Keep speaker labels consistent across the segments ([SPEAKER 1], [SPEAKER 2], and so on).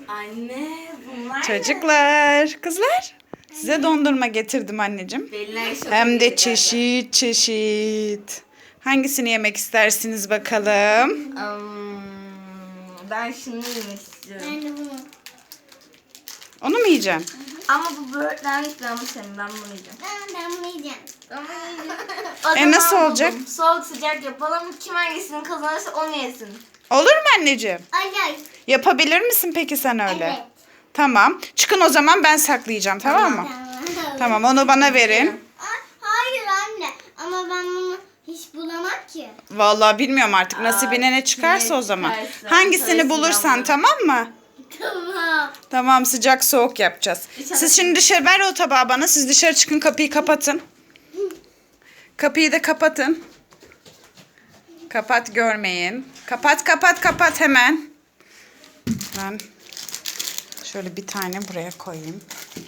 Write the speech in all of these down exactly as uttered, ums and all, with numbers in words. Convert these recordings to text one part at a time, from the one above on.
[SPEAKER 1] Anne bunlar
[SPEAKER 2] Çocuklar, kızlar. Size dondurma getirdim anneciğim. Hem de çeşit çeşit. Hangisini yemek istersiniz bakalım?
[SPEAKER 1] Um, ben şunu yemek istiyorum.
[SPEAKER 3] Ben de bunu.
[SPEAKER 2] Onu mu yiyeceksin?
[SPEAKER 1] Ama bu böğürtlenlik ben bu senin. Ben bunu yiyeceğim.
[SPEAKER 3] Ben, ben bunu yiyeceğim.
[SPEAKER 1] Ben bunu yiyeceğim.
[SPEAKER 2] E, nasıl olacak?
[SPEAKER 1] Soğuk sıcak yapalım. Kim hangisini kazanırsa onu yesin.
[SPEAKER 2] Olur mu anneciğim?
[SPEAKER 3] Acayip.
[SPEAKER 2] Yapabilir misin peki sen öyle?
[SPEAKER 3] Evet.
[SPEAKER 2] Tamam. Çıkın o zaman, ben saklayacağım, tamam mı?
[SPEAKER 3] Tamam.
[SPEAKER 2] Tamam, onu bana verin.
[SPEAKER 3] Ay, hayır anne. Ama ben bunu hiç bulamam ki.
[SPEAKER 2] Vallahi bilmiyorum artık,
[SPEAKER 1] Aa,
[SPEAKER 2] nasibine ne çıkarsa
[SPEAKER 1] ne
[SPEAKER 2] o zaman.
[SPEAKER 1] çıkarsa,
[SPEAKER 2] Hangisini
[SPEAKER 1] parasını
[SPEAKER 2] bulursan,
[SPEAKER 1] alırım.
[SPEAKER 2] tamam mı?
[SPEAKER 3] Tamam.
[SPEAKER 2] Tamam, sıcak soğuk yapacağız.
[SPEAKER 1] İnşallah.
[SPEAKER 2] Siz şimdi dışarı ver o tabağı bana. Siz dışarı çıkın, kapıyı kapatın. Kapıyı da kapatın. Kapat, görmeyin. Kapat kapat kapat hemen. Ben şöyle bir tane buraya koyayım.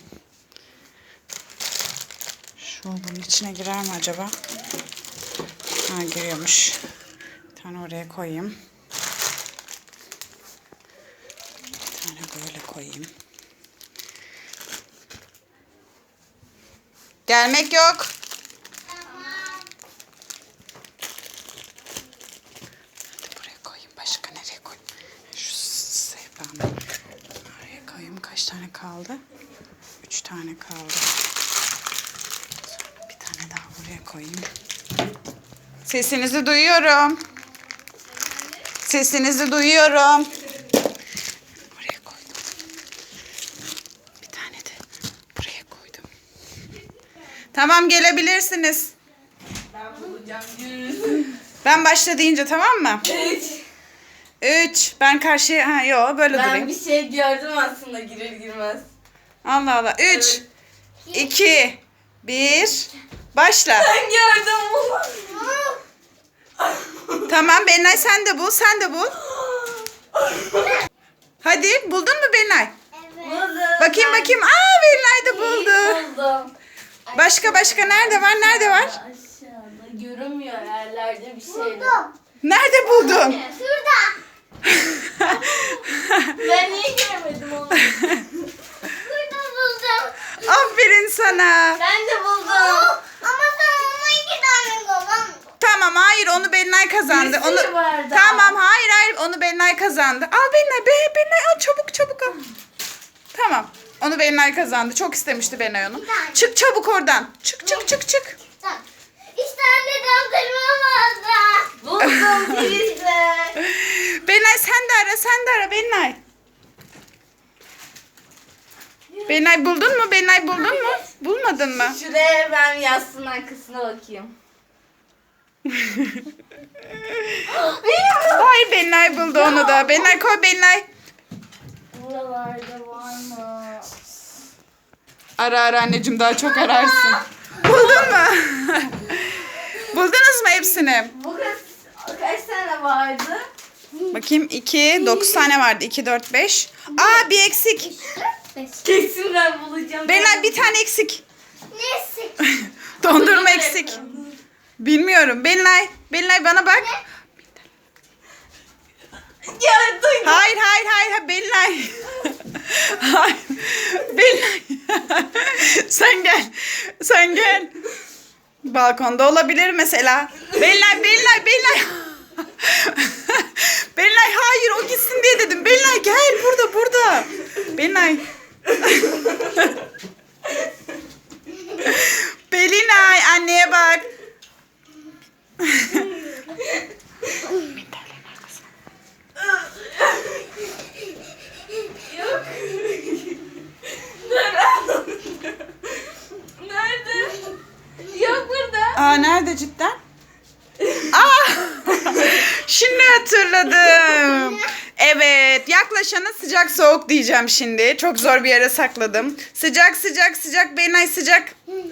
[SPEAKER 2] Şu bunun içine girer mi acaba? Ha, giriyormuş. Bir tane oraya koyayım. Bir tane böyle koyayım. Gelmek yok. Hadi buraya koyayım. Başka nereye koyayım? Şu sehpanı oraya koyayım. Kaç tane kaldı? Üç tane kaldı. Sonra bir tane daha buraya koyayım. Sesinizi duyuyorum. Sesinizi duyuyorum. Oraya koydum. Bir tane de buraya koydum. Tamam, gelebilirsiniz.
[SPEAKER 1] Ben bulacağım. Yürü.
[SPEAKER 2] Ben başla deyince, tamam mı?
[SPEAKER 1] Üç.
[SPEAKER 2] Üç. Ben karşıya... Ha, yo, böyle
[SPEAKER 1] Ben
[SPEAKER 2] durayım.
[SPEAKER 1] bir şey gördüm aslında girer girmez.
[SPEAKER 2] Allah Allah. Üç. iki. Bir. Başla.
[SPEAKER 1] Ben gördüm bunu.
[SPEAKER 2] Tamam Benay, sen de bul. Sen de bul. Hadi, buldun mu Benay?
[SPEAKER 3] Evet.
[SPEAKER 1] Buldum.
[SPEAKER 2] Bakayım bakayım. Aa, Benay de buldu.
[SPEAKER 1] Buldum.
[SPEAKER 2] Başka başka nerede var? Nerede var?
[SPEAKER 1] Aşağıda görünmüyor yerlerde bir şey.
[SPEAKER 3] Buldum.
[SPEAKER 2] Nerede buldun?
[SPEAKER 3] Şurada.
[SPEAKER 1] Ben niye göremedim onu?
[SPEAKER 3] Burada buldum.
[SPEAKER 2] Aferin sana.
[SPEAKER 1] Ben de buldum.
[SPEAKER 3] Ama sen ona iki tane kovan.
[SPEAKER 2] Tamam, hayır, onu Benay kazandı.
[SPEAKER 1] Bir sürü
[SPEAKER 2] Onu
[SPEAKER 1] var daha.
[SPEAKER 2] Tamam, hayır hayır, onu Benay kazandı. Al Benay, be Benay al, çabuk çabuk al. Tamam. Onu Benay kazandı. Çok istemişti Benay onu. Çık çabuk oradan. Çık çık çık çık.
[SPEAKER 3] Tamam. İşte anne dondurma vardı.
[SPEAKER 1] Buldum filizle.
[SPEAKER 2] Benay sen de ara, sen de ara Benay. Benay buldun mu? Benay buldun mu? Bulmadın mı?
[SPEAKER 1] Şuraya ben yastığın arkasına bakayım.
[SPEAKER 2] Hayır, Benay buldu onu da. Benay koy, Benay.
[SPEAKER 1] Buralarda var mı?
[SPEAKER 2] Ara ara anneciğim, daha çok ararsın. Buldun mu? Buldunuz mu hepsini?
[SPEAKER 1] Bu kaç, kaç tane vardı?
[SPEAKER 2] Bakayım, iki, dokuz tane vardı. iki, dört, beş. Aa, bir eksik.
[SPEAKER 1] Kesin ben bulacağım.
[SPEAKER 2] Benay bir tane eksik.
[SPEAKER 3] Neyse.
[SPEAKER 2] Dondurma eksik. Bilmiyorum. Benay, Benay bana bak.
[SPEAKER 1] Ya duydum.
[SPEAKER 2] Hayır, hayır, hayır, hayır, Benay. Hayır. Benay. Sen gel. Sen gel. Balkonda olabilir mesela. Benay, Benay, Benay. Benay, hayır, o gitsin diye dedim. Benay gel, burada, burada. Benay. Belinay, anneye bak.
[SPEAKER 1] Yok. Nerede? Yok burada.
[SPEAKER 2] Aa, nerede cidden? Aa! Şimdi hatırladım. Evet, yaklaşana sıcak soğuk diyeceğim şimdi. Çok zor bir yere sakladım. Sıcak sıcak sıcak, Benay sıcak.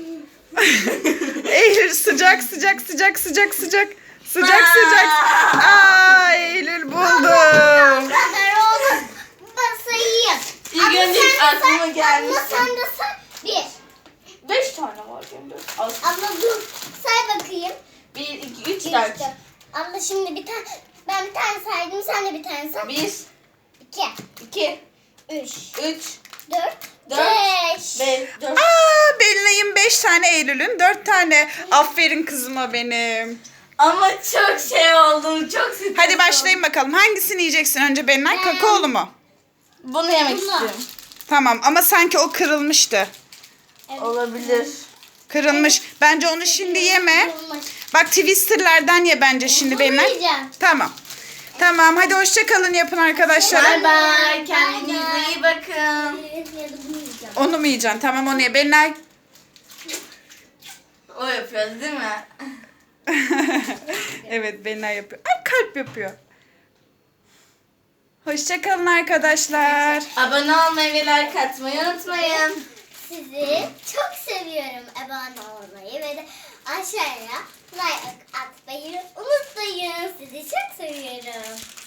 [SPEAKER 2] Eylül sıcak sıcak sıcak sıcak sıcak. Sıcak sıcak. Aa, Eylül buldu.
[SPEAKER 3] kadar olur. Basayım.
[SPEAKER 1] İlk önce
[SPEAKER 3] sen de
[SPEAKER 1] aklıma
[SPEAKER 3] say,
[SPEAKER 1] gelmişti.
[SPEAKER 3] Abla sen de say. Bir.
[SPEAKER 1] Beş tane var şimdi. Az.
[SPEAKER 3] Abla dur. Say bakayım.
[SPEAKER 1] Bir, iki, üç,
[SPEAKER 3] Bir,
[SPEAKER 1] dört.
[SPEAKER 3] işte. Abla şimdi bir tane. Ben bir tane saydım. Sen de bir tane say.
[SPEAKER 1] Bir,
[SPEAKER 3] İki.
[SPEAKER 1] iki,
[SPEAKER 3] Üç.
[SPEAKER 1] Üç.
[SPEAKER 3] Dört.
[SPEAKER 1] Dört.
[SPEAKER 3] Beş.
[SPEAKER 1] Beş. Dört.
[SPEAKER 2] Aa, Belinay'ın beş tane, Eylül'ün dört tane. Aferin kızıma benim.
[SPEAKER 1] Ama çok şey oldum. Çok stres
[SPEAKER 2] Hadi başlayın bakalım. Hangisini yiyeceksin önce Belinay? Kakaolu mu?
[SPEAKER 1] Bunu yemek
[SPEAKER 3] Bunu.
[SPEAKER 1] istiyorum.
[SPEAKER 2] Tamam ama sanki o kırılmıştı.
[SPEAKER 3] Evet.
[SPEAKER 1] Olabilir.
[SPEAKER 2] Kırılmış. Bence onu şimdi yeme.
[SPEAKER 3] Kırılmış.
[SPEAKER 2] Bak Twister'lardan ye bence şimdi
[SPEAKER 3] Bunu
[SPEAKER 2] Belinay.
[SPEAKER 3] yiyeceğim.
[SPEAKER 2] Tamam. Tamam hadi hoşça kalın yapın arkadaşlar.
[SPEAKER 1] Bay bay.
[SPEAKER 3] Bye
[SPEAKER 1] Kendinize
[SPEAKER 3] bye.
[SPEAKER 1] iyi bakın.
[SPEAKER 3] Evet, ya da bunu yiyeceğim.
[SPEAKER 2] Onu mu yiyeceksin? Tamam onu ye. Belinay.
[SPEAKER 1] O yapıyoruz değil mi?
[SPEAKER 2] Evet Belinay yapıyor. Ay kalp yapıyor. Hoşça kalın arkadaşlar.
[SPEAKER 1] Abone olmayı ve like atmayı unutmayın.
[SPEAKER 3] Sizi çok seviyorum. Abone olmayı ve de aşağıya like atmayı unutmayın. Sizi çok seviyorum.